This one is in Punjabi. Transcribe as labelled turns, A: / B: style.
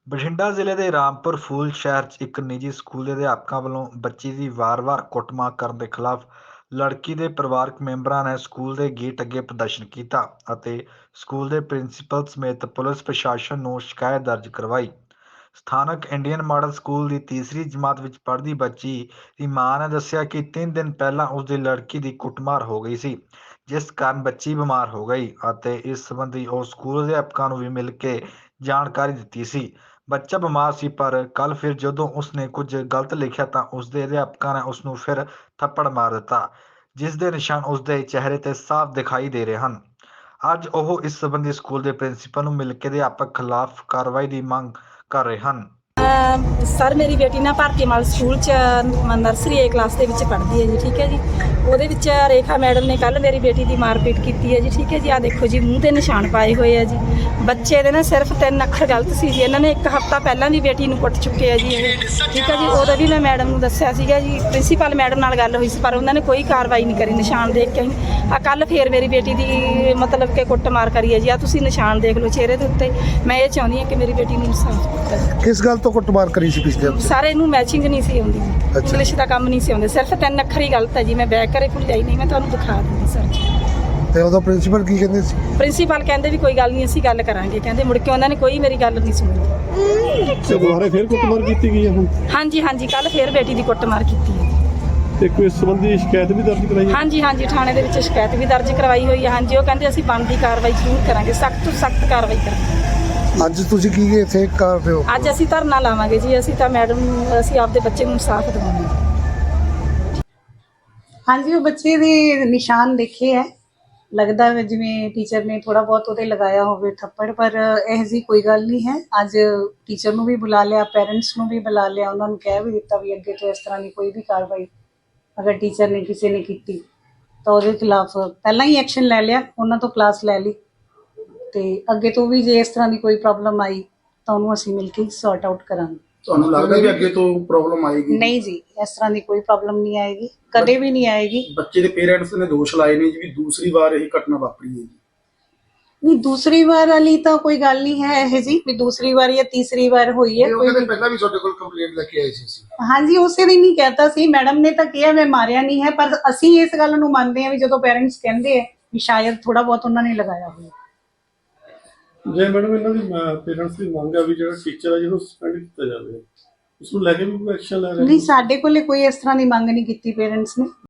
A: ਬਠਿੰਡਾ ਜ਼ਿਲ੍ਹੇ ਦੇ ਰਾਮਪੁਰ ਫੂਲ ਸ਼ਹਿਰ 'ਚ ਇੱਕ ਨਿੱਜੀ ਸਕੂਲ ਦੇ ਅਧਿਆਪਕਾਂ ਵੱਲੋਂ ਬੱਚੀ ਦੀ ਵਾਰ-ਵਾਰ ਕੁੱਟਮਾਰ ਕਰਨ ਦੇ ਖਿਲਾਫ ਲੜਕੀ ਦੇ ਪਰਿਵਾਰਕ ਮੈਂਬਰਾਂ ਨੇ ਸਕੂਲ ਦੇ ਗੇਟ ਅੱਗੇ ਪ੍ਰਦਰਸ਼ਨ ਕੀਤਾ ਅਤੇ ਸਕੂਲ ਦੇ ਪ੍ਰਿੰਸੀਪਲ ਸਮੇਤ ਪੁਲਿਸ ਪ੍ਰਸ਼ਾਸਨ ਨੂੰ ਸ਼ਿਕਾਇਤ ਦਰਜ ਕਰਵਾਈ। ਸਥਾਨਕ ਇੰਡੀਅਨ ਮਾਡਲ ਸਕੂਲ ਦੀ ਤੀਸਰੀ ਜਮਾਤ ਵਿੱਚ ਪੜ੍ਹਦੀ ਬੱਚੀ ਦੀ ਮਾਂ ਨੇ ਦੱਸਿਆ ਕਿ 3 ਦਿਨ ਪਹਿਲਾਂ ਉਸ ਦੀ ਲੜਕੀ ਦੀ ਕੁੱਟਮਾਰ ਹੋ ਗਈ ਸੀ, ਜਿਸ ਕਾਰਨ ਬੱਚੀ ਬਿਮਾਰ ਹੋ ਗਈ ਅਤੇ ਇਸ ਸੰਬੰਧੀ ਉਹ ਸਕੂਲ ਅਧਿਆਪਕਾਂ ਨੂੰ ਵੀ ਮਿਲ ਕੇ ਜਾਣਕਾਰੀ ਦਿੱਤੀ ਸੀ। ਬੱਚਾ ਬਿਮਾਰ ਸੀ, ਪਰ ਕੱਲ੍ਹ ਫਿਰ ਜਦੋਂ ਉਸਨੇ ਕੁਝ ਗਲਤ ਲਿਖਿਆ ਤਾਂ ਉਸਦੇ ਅਧਿਆਪਕਾਂ ਨੇ ਉਸਨੂੰ ਫਿਰ ਥੱਪੜ ਮਾਰ ਦਿੱਤਾ, ਜਿਸ ਦੇ ਨਿਸ਼ਾਨ ਉਸਦੇ ਚਿਹਰੇ 'ਤੇ ਸਾਫ਼ ਦਿਖਾਈ ਦੇ ਰਹੇ ਹਨ। ਅੱਜ ਉਹ ਇਸ ਸੰਬੰਧੀ ਸਕੂਲ ਦੇ ਪ੍ਰਿੰਸੀਪਲ ਨੂੰ ਮਿਲ ਕੇ ਅਧਿਆਪਕ ਖਿਲਾਫ ਕਾਰਵਾਈ ਦੀ ਮੰਗ ਕਰ ਰਹੇ ਹਨ।
B: ਸਰ ਮੇਰੀ ਬੇਟੀ ਨਾ ਭਾਰਤੀ ਮਾਲ ਸਕੂਲ 'ਚ ਨਰਸਰੀ ਏ ਕਲਾਸ ਦੇ ਵਿੱਚ ਪੜ੍ਹਦੀ ਹੈ ਜੀ। ਠੀਕ ਹੈ ਜੀ। ਉਹਦੇ ਵਿੱਚ ਰੇਖਾ ਮੈਡਮ ਨੇ ਕੱਲ੍ਹ ਮੇਰੀ ਬੇਟੀ ਦੀ ਮਾਰਪੀਟ ਕੀਤੀ ਹੈ ਜੀ। ਠੀਕ ਹੈ ਜੀ। ਆਹ ਦੇਖੋ ਜੀ, ਮੂੰਹ 'ਤੇ ਨਿਸ਼ਾਨ ਪਾਏ ਹੋਏ ਆ ਜੀ। ਬੱਚੇ ਦੇ ਨਾ ਸਿਰਫ 3 ਅੱਖਰ ਗਲਤ ਸੀ ਜੀ। ਇਹਨਾਂ ਨੇ 1 ਹਫ਼ਤਾ ਪਹਿਲਾਂ ਵੀ ਬੇਟੀ ਨੂੰ ਕੁੱਟ ਚੁੱਕੇ ਆ ਜੀ ਇਹ। ਠੀਕ ਹੈ ਜੀ। ਉਦੋਂ ਵੀ ਮੈਂ ਮੈਡਮ ਨੂੰ ਦੱਸਿਆ ਸੀਗਾ ਜੀ, ਪ੍ਰਿੰਸੀਪਲ ਮੈਡਮ ਨਾਲ ਗੱਲ ਹੋਈ ਸੀ, ਪਰ ਉਹਨਾਂ ਨੇ ਕੋਈ ਕਾਰਵਾਈ ਨਹੀਂ ਕਰੀ ਨਿਸ਼ਾਨ ਦੇਖ ਕੇ। ਆ ਕੱਲ੍ਹ ਫੇਰ ਮੇਰੀ ਬੇਟੀ ਦੀ ਮਤਲਬ ਕਿ ਕੁੱਟਮਾਰ ਕਰੀ ਹੈ ਜੀ। ਆ ਤੁਸੀਂ ਨਿਸ਼ਾਨ ਦੇਖ ਲਓ ਚਿਹਰੇ ਦੇ ਉੱਤੇ। ਮੈਂ ਇਹ ਚਾਹੁੰਦੀ ਹਾਂ ਕਿ ਮੇਰੀ ਬੇਟੀ ਨੂੰ ਇਨਸਾਫ ਦਿੱਤਾ ਜਾਵੇ।
C: ਕਿਸ ਗੱਲ ਤੋਂ ਕੁੱਟਮਾਰ ਕਰੀ ਸੀ ਪਿਛਲੇ ਹਫ਼ਤੇ?
B: ਸਾਰੇ ਇਹਨੂੰ ਮੈਚਿੰਗ ਨਹੀਂ ਸੀ ਆਉਂਦੀ, ਇੰਗਲਿਸ਼ ਦਾ ਕੰਮ ਨਹੀਂ ਸੀ ਆਉਂਦੇ, ਸਿਰਫ 3 ਅੱਖਰ ਹੀ ਗਲਤ ਹੈ ਜੀ। ਮੈਂ ਬੈਕ ਕਰੇ ਭੁੱਲ ਨਹੀਂ, ਮੈਂ ਤੁਹਾਨੂੰ ਦਿਖਾ ਦਿੰਦੀ ਸਰ ਜੀ।
C: ਤੇ ਉਹਦਾ ਪ੍ਰਿੰਸੀਪਲ ਕੀ ਕਹਿੰਦੇ ਸੀ?
B: ਪ੍ਰਿੰਸੀਪਲ ਕਹਿੰਦੇ ਵੀ ਕੋਈ ਗੱਲ ਨਹੀਂ, ਅਸੀਂ ਗੱਲ ਕਰਾਂਗੇ। ਕਹਿੰਦੇ ਮੁੜ ਕੇ ਉਹਨਾਂ ਨੇ ਕੋਈ ਮੇਰੀ ਗੱਲ ਨਹੀਂ ਸੁਣੀ।
D: ਤੇ ਦੁਬਾਰਾ ਫਿਰ ਕੁੱਟਮਾਰ ਕੀਤੀ ਗਈ ਹੈ ਹੁਣ?
B: ਹਾਂਜੀ, ਕੱਲ ਫੇਰ ਬੇਟੀ ਦੀ ਕੁੱਟਮਾਰ ਕੀਤੀ ਹੈ।
D: ਤੇ ਕੋਈ ਇਸ ਸੰਬੰਧੀ ਸ਼ਿਕਾਇਤ ਵੀ ਦਰਜ ਕਰਾਈ ਹੈ?
B: ਹਾਂਜੀ, ਥਾਣੇ ਦੇ ਵਿੱਚ ਸ਼ਿਕਾਇਤ ਵੀ ਦਰਜ ਕਰਵਾਈ ਹੋਈ ਹੈ। ਹਾਂਜੀ, ਉਹ ਕਹਿੰਦੇ ਅਸੀਂ ਬਣਦੀ ਕਾਰਵਾਈ ਜ਼ਰੂਰ ਕਰਾਂਗੇ, ਸਖਤ ਤੋਂ ਸਖਤ ਕਾਰਵਾਈ ਕਰਾਂਗੇ।
C: ਅੱਜ ਤੁਸੀਂ ਕੀ ਇੱਥੇ ਕਰ ਰਹੇ ਹੋ?
B: ਅੱਜ ਅਸੀਂ ਧਰਨਾ ਲਾਵਾਂਗੇ ਜੀ। ਅਸੀਂ ਤਾਂ ਮੈਡਮ, ਅਸੀਂ ਆਪਦੇ ਬੱਚੇ ਨੂੰ ਇਨਸਾਫ ਦਿਵਾਵਾਂਗੇ।
E: ਹਾਂਜੀ, ਉਹ ਬੱਚੇ ਦੇ ਨਿਸ਼ਾਨ ਦੇਖੇ ਹੈ। ਲੱਗਦਾ ਹੈ ਜਿਵੇਂ ਟੀਚਰ ਨੇ ਥੋੜਾ ਬਹੁਤ ਉਹਦੇ ਲਗਾਇਆ ਹੋਵੇ ਥੱਪੜ, ਪਰ ਇਹ ਜੀ ਕੋਈ ਗੱਲ ਨਹੀਂ ਹੈ। ਅੱਜ ਟੀਚਰ ਨੂੰ ਵੀ ਬੁਲਾ ਲਿਆ, ਪੈਰੈਂਟਸ ਨੂੰ ਵੀ ਬੁਲਾ ਲਿਆ, ਉਹਨਾਂ ਨੂੰ ਕਹਿ ਵੀ ਦਿੱਤਾ ਵੀ ਅੱਗੇ ਤੋਂ ਇਸ ਤਰ੍ਹਾਂ ਦੀ ਕੋਈ ਵੀ ਕਾਰਵਾਈ ਅਗਰ ਟੀਚਰ ਨੇ ਕਿਸੇ ਨੇ ਕੀਤੀ ਤਾਂ ਉਹਦੇ ਖਿਲਾਫ ਪਹਿਲਾਂ ਹੀ ਐਕਸ਼ਨ ਲੈ ਲਿਆ, ਉਹਨਾਂ ਤੋਂ ਕਲਾਸ ਲੈ ਲਈ। ਤੇ ਅੱਗੇ ਤੋਂ ਵੀ ਜੇ ਇਸ ਤਰ੍ਹਾਂ ਦੀ ਕੋਈ ਪ੍ਰੋਬਲਮ ਆਈ ਤਾਂ ਉਹਨੂੰ ਅਸੀਂ ਮਿਲ ਕੇ ਸੌਰਟ ਆਊਟ ਕਰਾਂਗੇ।
F: ਤੁਹਾਨੂੰ ਲੱਗਦਾ ਵੀ ਅੱਗੇ ਤੋਂ ਪ੍ਰੋਬਲਮ ਆਏਗੀ?
E: ਨਹੀਂ ਜੀ, ਇਸ ਤਰ੍ਹਾਂ ਦੀ ਕੋਈ ਪ੍ਰੋਬਲਮ ਨਹੀਂ ਆਏਗੀ, ਕਦੇ ਵੀ ਨਹੀਂ ਆਏਗੀ।
F: ਬੱਚੇ ਦੇ ਪੇਰੈਂਟਸ ਨੇ ਦੋਸ਼ ਲਾਏ ਨੇ ਜੀ ਵੀ ਦੂਸਰੀ ਵਾਰ ਇਹ ਘਟਨਾ ਵਾਪਰੀ ਹੈ ਜੀ।
E: ਨਹੀਂ, ਦੂਸਰੀ ਵਾਰ ਵਾਲੀ ਤਾਂ ਕੋਈ ਗੱਲ ਨਹੀਂ ਹੈ ਇਹ ਜੀ, ਵੀ ਦੂਸਰੀ ਵਾਰ ਜਾਂ ਤੀਸਰੀ ਵਾਰ ਹੋਈ ਹੈ।
F: ਕੋਈ ਪਹਿਲਾਂ ਵੀ ਤੁਹਾਡੇ ਕੋਲ ਕੰਪਲੇਂਟ ਲੈ ਕੇ ਆਏ ਸੀ?
E: ਹਾਂਜੀ, ਉਸੇ ਦਿਨ ਹੀ ਕਹਿਤਾ ਸੀ। ਮੈਡਮ ਨੇ ਤਾਂ ਕਿਹਾ ਮੈਂ ਮਾਰਿਆ ਨਹੀਂ ਹੈ, ਪਰ ਅਸੀਂ ਇਸ ਗੱਲ ਨੂੰ ਮੰਨਦੇ ਹਾਂ ਵੀ ਜਦੋਂ ਪੇਰੈਂਟਸ ਕਹਿੰਦੇ ਆ ਵੀ ਸ਼ਾਇਦ ਥੋੜਾ ਬਹੁਤ ਉਹਨਾਂ ਨੇ ਲਗਾਇਆ ਹੋਇਆ।
D: ਜੇ ਮੈਡਮ ਇਹਨਾਂ ਦੀ ਪੇਰੈਂਟਸ ਦੀ ਮੰਗ ਆ ਵੀ ਜਿਹੜਾ ਟੀਚਰ ਹੈ ਜਿਹਨੂੰ ਸਸਪੈਂਡ ਕੀਤਾ ਜਾਵੇ, ਉਸ ਨੂੰ ਲੈ ਕੇ ਵੀ ਕੋਈ ਐਕਸ਼ਨ ਲੈ ਰਹੇ?
E: ਨਹੀਂ, ਸਾਡੇ ਕੋਲੇ ਕੋਈ ਇਸ ਤਰ੍ਹਾਂ ਦੀ ਮੰਗ ਨਹੀਂ ਕੀਤੀ ਪੇਰੈਂਟਸ ਨੇ।